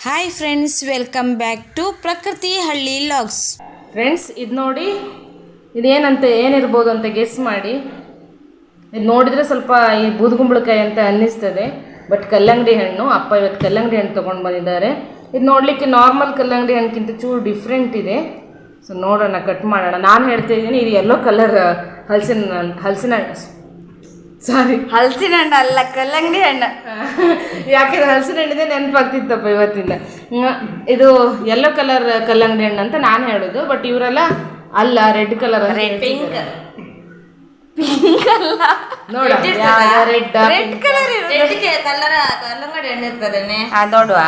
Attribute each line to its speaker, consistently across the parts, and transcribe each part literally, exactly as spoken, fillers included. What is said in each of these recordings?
Speaker 1: Hi friends, welcome back to Prakruthi Halli logs.
Speaker 2: Friends, ಇದು ನೋಡಿ, ಇದೇನಂತ ಏನಿರ್ಬೋದು ಅಂತ ಗೆಸ್ ಮಾಡಿ. ಇದು ನೋಡಿದರೆ ಸ್ವಲ್ಪ ಈ ಬೂದುಗುಂಬಳಕಾಯಿ ಅಂತ ಅನ್ನಿಸ್ತದೆ, ಬಟ್ ಕಲ್ಲಂಗಡಿ ಹಣ್ಣು. ಅಪ್ಪ ಇವತ್ತು ಕಲ್ಲಂಗಡಿ ಹಣ್ಣು ತೊಗೊಂಡು ಬಂದಿದ್ದಾರೆ. ಇದು ನೋಡಲಿಕ್ಕೆ ನಾರ್ಮಲ್ ಕಲ್ಲಂಗಡಿ ಹಣ್ಣಿಗಿಂತ ಚೂರು ಡಿಫ್ರೆಂಟ್ ಇದೆ. ಸೊ ನೋಡೋಣ, ಕಟ್ ಮಾಡೋಣ. ನಾನು ಹೇಳ್ತಾ ಇದ್ದೀನಿ, ಇದು ಯೆಲ್ಲೋ ಕಲರ್ ಹಲಸಿನ ಹಲಸಿನ ಸಾರಿ
Speaker 1: ಹಲಸಿನ ಹಣ್ಣು ಅಲ್ಲ, ಕಲ್ಲಂಗಡಿ ಹಣ್ಣು.
Speaker 2: ಯಾಕೆಂದ್ರೆ ಹಲಸಿನ ಹಣ್ಣಿದೆ ನೆನಪಾಗ್ತಿತ್ತಪ್ಪ ಇವತ್ತಿಂದ. ಇದು ಯೆಲ್ಲೋ ಕಲರ್ ಕಲ್ಲಂಗಡಿ ಹಣ್ಣು ಅಂತ ನಾನು ಹೇಳೋದು, ಬಟ್ ಇವರೆಲ್ಲ ಅಲ್ಲ, ರೆಡ್ ಕಲರ್.
Speaker 1: ಪಿಂಕ್ ಪಿಂಕ್ ಅಲ್ಲ,
Speaker 2: ನೋಡ ರೆಡ್
Speaker 1: ರೆಡ್ ಕಲರ್ ಕಲರ್ ಕಲ್ಲಂಗಡಿ ಹಣ್ಣು ಇರ್ತದೇನೆ. ನೋಡುವ,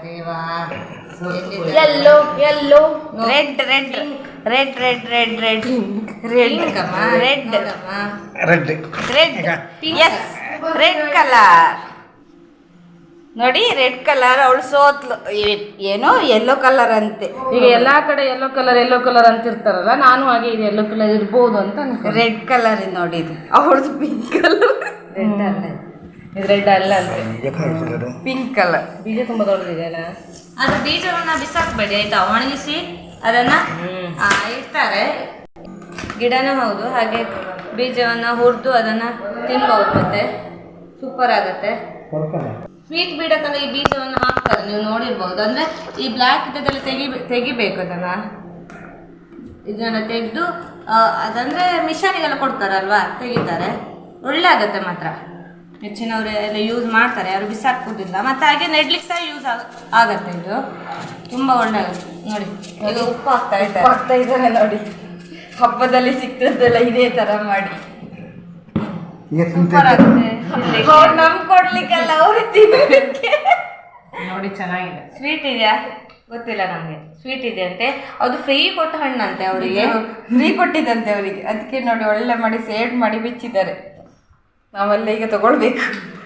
Speaker 2: yellow yellow
Speaker 1: red red red red red red red red
Speaker 3: red
Speaker 1: red yes red colour ನೋಡಿ, ರೆಡ್ ಕಲರ್. ಅವಳು ಸೋತ್ಲು. ಏನೋ ಯೆಲ್ಲೋ ಕಲರ್ ಅಂತೆ.
Speaker 2: ಈಗ ಎಲ್ಲಾ ಕಡೆ ಯೆಲ್ಲೋ ಕಲರ್ ಯೆಲ್ಲೋ ಕಲರ್ ಅಂತ ಇರ್ತಾರಲ್ಲ, ನಾನು ಹಾಗೆ ಇದು ಯೆಲ್ಲೋ ಕಲರ್ ಇರ್ಬೋದು ಅಂತ ಅನ್ಕೊ.
Speaker 1: ರೆಡ್ ಕಲರ್ ನೋಡಿ, ಇದು ಅವಳದು ಪಿಂಕ್ ಕಲರ್. ರೆಡ್ ಅಲ್ಲ,
Speaker 2: ಇದು ರೆಡ್ ಅಲ್ಲ ಅಂತೆ,
Speaker 1: ಪಿಂಕ್ ಕಲರ್.
Speaker 2: ಬೀಜ ತುಂಬಾ ದೊಡ್ಡದಿದೆಯಲ್ಲ.
Speaker 1: ಅದು ಬೀಜವನ್ನ ಬಿಸಾಕ್ಬೇಡಿ ಆಯ್ತಾ, ಒಣಗಿಸಿ ಅದನ್ನ ಇಡ್ತಾರೆ. ಗಿಡನೂ ಹೌದು, ಹಾಗೆ ಬೀಜವನ್ನ ಹುರಿದು ಅದನ್ನ ತಿನ್ಬಹುದು, ಮತ್ತೆ ಸೂಪರ್ ಆಗುತ್ತೆ. ಸ್ವೀಟ್ ಬೀಡಕ್ಕೆಲ್ಲ ಈ ಬೀಜವನ್ನು ಹಾಕ್ತಾರೆ, ನೀವು ನೋಡಿರ್ಬೋದು. ಅಂದ್ರೆ ಈ ಬ್ಲ್ಯಾಕ್ ಇದೆಲ್ಲ ತೆಗಿ ತೆಗಿಬೇಕು ಅದನ್ನ. ಇದನ್ನ ತೆಗೆದು ಅದಂದ್ರೆ ಮಿಷನಿಗೆಲ್ಲ ಕೊಡ್ತಾರಲ್ವಾ, ತೆಗಿತಾರೆ. ಒಳ್ಳೆ ಆಗುತ್ತೆ ಮಾತ್ರ. ಹೆಚ್ಚಿನವರು ಎಲ್ಲ ಯೂಸ್ ಮಾಡ್ತಾರೆ, ಯಾರು ಬಿಸಾಕೋದಿಲ್ಲ. ಮತ್ತೆ ಹಾಗೆ ನೆಡ್ಲಿಕ್ಕೆ ಸಹ ಯೂಸ್ ಆಗತ್ತೆ. ಇದು ತುಂಬಾ ಒಳ್ಳೆ ಆಗುತ್ತೆ ನೋಡಿ. ಈಗ ಉಪ್ಪು ಹಾಕ್ತಾ ಇದ್ದಾರೆ ಹಾಕ್ತಾ ಇದ್ದಾರೆ ನೋಡಿ. ಹಬ್ಬದಲ್ಲಿ ಸಿಕ್ತದೆಲ್ಲ ಇದೇ ತರ ಮಾಡಿ ಸೂಪರ್ ಆಗುತ್ತೆ. ನಮ್ ಕೊಡ್ಲಿಕ್ಕಲ್ಲ, ಅವ್ರು ತಿನ್ನಲಿಕ್ಕೆ.
Speaker 2: ನೋಡಿ ಚೆನ್ನಾಗಿದೆ.
Speaker 1: ಸ್ವೀಟ್ ಇದೆಯಾ ಗೊತ್ತಿಲ್ಲ ನಮ್ಗೆ. ಸ್ವೀಟ್ ಇದೆ ಅಂತೆ, ಅದು ಫ್ರೀ ಕೊಟ್ಟ ಹಣ್ಣಂತೆ ಅವರಿಗೆ. ಫ್ರೀ ಕೊಟ್ಟಿದ್ದಂತೆ ಅವರಿಗೆ, ಅದಕ್ಕೆ ನೋಡಿ ಒಳ್ಳೆ ಮಾಡಿ ಸೇಡ್ ಮಾಡಿ ಬಿಚ್ಚಿದ್ದಾರೆ. ನಾವೆಲ್ಲ ಈಗ ತಗೊಳ್ಬೇಕು.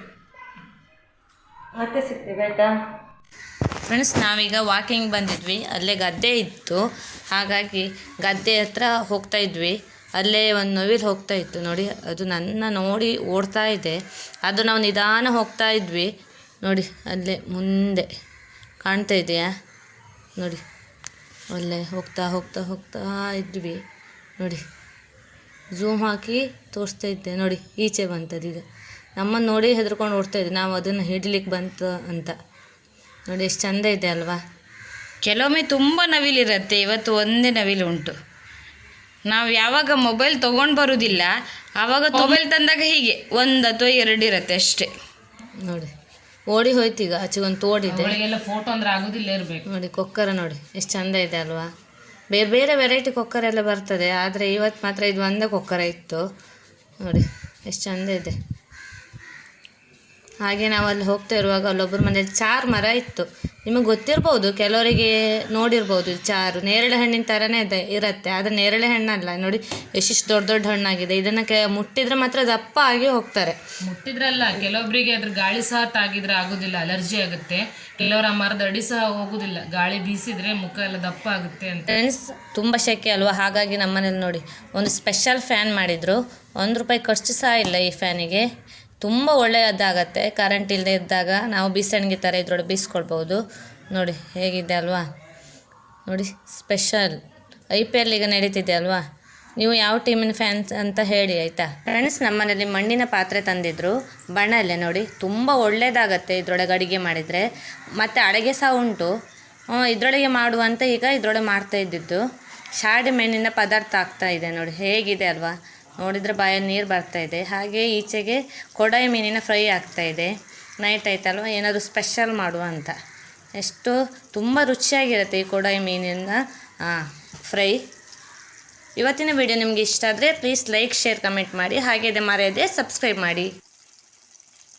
Speaker 1: ಮತ್ತೆ ಸಿಗ್ತೀವಿ ಆಯ್ತಾ ಫ್ರೆಂಡ್ಸ್. ನಾವೀಗ ವಾಕಿಂಗ್ ಬಂದಿದ್ವಿ, ಅಲ್ಲೇ ಗದ್ದೆ ಇತ್ತು, ಹಾಗಾಗಿ ಗದ್ದೆ ಹತ್ರ ಹೋಗ್ತಾ ಇದ್ವಿ. ಅಲ್ಲೇ ಒಂದು ನವಿಲು ಹೋಗ್ತಾ ಇತ್ತು ನೋಡಿ, ಅದು ನನ್ನ ನೋಡಿ ಓಡ್ತಾ ಇದೆ. ಅದು ನಾವು ನಿಧಾನ ಹೋಗ್ತಾ ಇದ್ವಿ ನೋಡಿ, ಅಲ್ಲೇ ಮುಂದೆ ಕಾಣ್ತಾ ಇದೆಯಾ ನೋಡಿ. ಅಲ್ಲೇ ಹೋಗ್ತಾ ಹೋಗ್ತಾ ಹೋಗ್ತಾ ಇದ್ವಿ ನೋಡಿ. ಝೂಮ್ ಹಾಕಿ ತೋರಿಸ್ತಾ ಇದ್ದೆ ನೋಡಿ, ಈಚೆ ಬಂತದ್ದು. ಈಗ ನಮ್ಮನ್ನು ನೋಡಿ ಹೆದರ್ಕೊಂಡು ಓಡ್ತಾ ಇದ್ದೆ, ನಾವು ಅದನ್ನು ಹಿಡ್ಲಿಕ್ಕೆ ಬಂತು ಅಂತ ನೋಡಿ. ಎಷ್ಟು ಚಂದ ಇದೆ ಅಲ್ವಾ. ಕೆಲವೊಮ್ಮೆ ತುಂಬ ನವಿಲಿರುತ್ತೆ, ಇವತ್ತು ಒಂದೇ ನವಿಲು ಉಂಟು. ನಾವು ಯಾವಾಗ ಮೊಬೈಲ್ ತೊಗೊಂಡು ಬರೋದಿಲ್ಲ, ಆವಾಗ ಮೊಬೈಲ್ ತಂದಾಗ ಹೀಗೆ ಒಂದು ಅಥವಾ ಎರಡು ಇರುತ್ತೆ ಅಷ್ಟೇ ನೋಡಿ. ಓಡಿ ಹೋಯ್ತು. ಈಗ ಆಚೆ ಒಂದು ತೋಡಿದೆ,
Speaker 2: ಫೋಟೋ ಅಂದ್ರೆ ಆಗೋದಿಲ್ಲ ಇರಬೇಕು
Speaker 1: ನೋಡಿ. ಕೊಕ್ಕರ ನೋಡಿ ಎಷ್ಟು ಚಂದ ಇದೆ ಅಲ್ವಾ. ಬೇರೆ ಬೇರೆ ವೆರೈಟಿ ಕೊಕ್ಕರ ಎಲ್ಲ ಬರ್ತದೆ, ಆದರೆ ಇವತ್ತು ಮಾತ್ರ ಇದು ಒಂದೇ ಕೊಕ್ಕರ ಇತ್ತು ನೋಡಿ, ಎಷ್ಟು ಚಂದ ಇದೆ. ಹಾಗೆ ನಾವು ಅಲ್ಲಿ ಹೋಗ್ತಾ ಇರುವಾಗ ಅಲ್ಲೊಬ್ಬರ ಮನೇಲಿ ಚಾರು ಮರ ಇತ್ತು. ನಿಮಗೆ ಗೊತ್ತಿರ್ಬೋದು, ಕೆಲವರಿಗೆ ನೋಡಿರ್ಬೋದು. ಚಾರು ನೇರಳೆ ಹಣ್ಣಿನ ಥರನೇ ಇದೆ ಇರುತ್ತೆ, ಆದರೆ ನೇರಳೆ ಹಣ್ಣಲ್ಲ ನೋಡಿ. ಎಷ್ಟಿಷ್ಟು ದೊಡ್ಡ ದೊಡ್ಡ ಹಣ್ಣಾಗಿದೆ. ಇದನ್ನು ಕೆ ಮುಟ್ಟಿದ್ರೆ ಮಾತ್ರ ದಪ್ಪ ಆಗಿ ಹೋಗ್ತಾರೆ.
Speaker 2: ಮುಟ್ಟಿದ್ರಲ್ಲ, ಕೆಲವೊಬ್ಬರಿಗೆ ಅದ್ರ ಗಾಳಿ ಸಹ ತಾಗಿದ್ರೆ ಆಗೋದಿಲ್ಲ, ಅಲರ್ಜಿ ಆಗುತ್ತೆ. ಕೆಲವರ ಮರದ ಅಡಿ ಸಹ ಹೋಗೋದಿಲ್ಲ, ಗಾಳಿ ಬೀಸಿದ್ರೆ ಮುಖ ಎಲ್ಲ ದಪ್ಪ ಆಗುತ್ತೆ ಅಂತ.
Speaker 1: ಫ್ರೆಂಡ್ಸ್, ತುಂಬ ಶೆಕೆ ಅಲ್ವಾ, ಹಾಗಾಗಿ ನಮ್ಮನೇಲಿ ನೋಡಿ ಒಂದು ಸ್ಪೆಷಲ್ ಫ್ಯಾನ್ ಮಾಡಿದರು. ಒಂದು ರೂಪಾಯಿ ಖರ್ಚು ಸಹ ಇಲ್ಲ ಈ ಫ್ಯಾನಿಗೆ. ತುಂಬ ಒಳ್ಳೆಯದಾಗತ್ತೆ. ಕರೆಂಟ್ ಇಲ್ಲದೆ ಇದ್ದಾಗ ನಾವು ಬೀಸಣಿಗೆ ಥರ ಇದ್ರೊಳಗೆ ಬೀಸ್ಕೊಳ್ಬೋದು ನೋಡಿ. ಹೇಗಿದೆ ಅಲ್ವಾ ನೋಡಿ, ಸ್ಪೆಷಲ್. ಐ ಪಿ ಎಲ್ ಈಗ ನಡೀತಿದೆ ಅಲ್ವಾ. ನೀವು ಯಾವ ಟೀಮಿನ ಫ್ಯಾನ್ಸ್ ಅಂತ ಹೇಳಿ ಆಯಿತಾ ಫ್ರೆಂಡ್ಸ್. ನಮ್ಮನೇಲಿ ಮಣ್ಣಿನ ಪಾತ್ರೆ ತಂದಿದ್ರು, ಬಣ್ಣಲ್ಲೇ ನೋಡಿ. ತುಂಬ ಒಳ್ಳೆಯದಾಗತ್ತೆ ಇದರೊಳಗೆ ಅಡುಗೆ ಮಾಡಿದರೆ. ಮತ್ತು ಅಡುಗೆ ಸಹ ಉಂಟು ಇದರೊಳಗೆ ಮಾಡುವಂತ. ಈಗ ಇದರೊಳಗೆ ಮಾಡ್ತಾ ಇದ್ದಿದ್ದು ಶಾಡಿ ಮೆಣ್ಣಿನ ಪದಾರ್ಥ ಆಗ್ತಾ ಇದೆ ನೋಡಿ. ಹೇಗಿದೆ ಅಲ್ವಾ, ನೋಡಿದರೆ ಬಾಯಲ್ಲಿ ನೀರು ಬರ್ತಾಯಿದೆ. ಹಾಗೆ ಈಚೆಗೆ ಕೊಡಾಯಿ ಮೀನಿನ ಫ್ರೈ ಆಗ್ತಾಯಿದೆ. ನೈಟ್ ಆಯ್ತಲ್ವ, ಏನಾದರೂ ಸ್ಪೆಷಲ್ ಮಾಡುವ ಅಂತ. ಎಷ್ಟು ತುಂಬ ರುಚಿಯಾಗಿರುತ್ತೆ ಈ ಕೊಡಾಯಿ ಮೀನಿನ ಫ್ರೈ. ಇವತ್ತಿನ ವಿಡಿಯೋ ನಿಮಗೆ ಇಷ್ಟ ಆದರೆ ಪ್ಲೀಸ್ ಲೈಕ್, ಶೇರ್, ಕಮೆಂಟ್ ಮಾಡಿ. ಹಾಗೆ ಮರೆಯದೆ ಸಬ್ಸ್ಕ್ರೈಬ್ ಮಾಡಿ.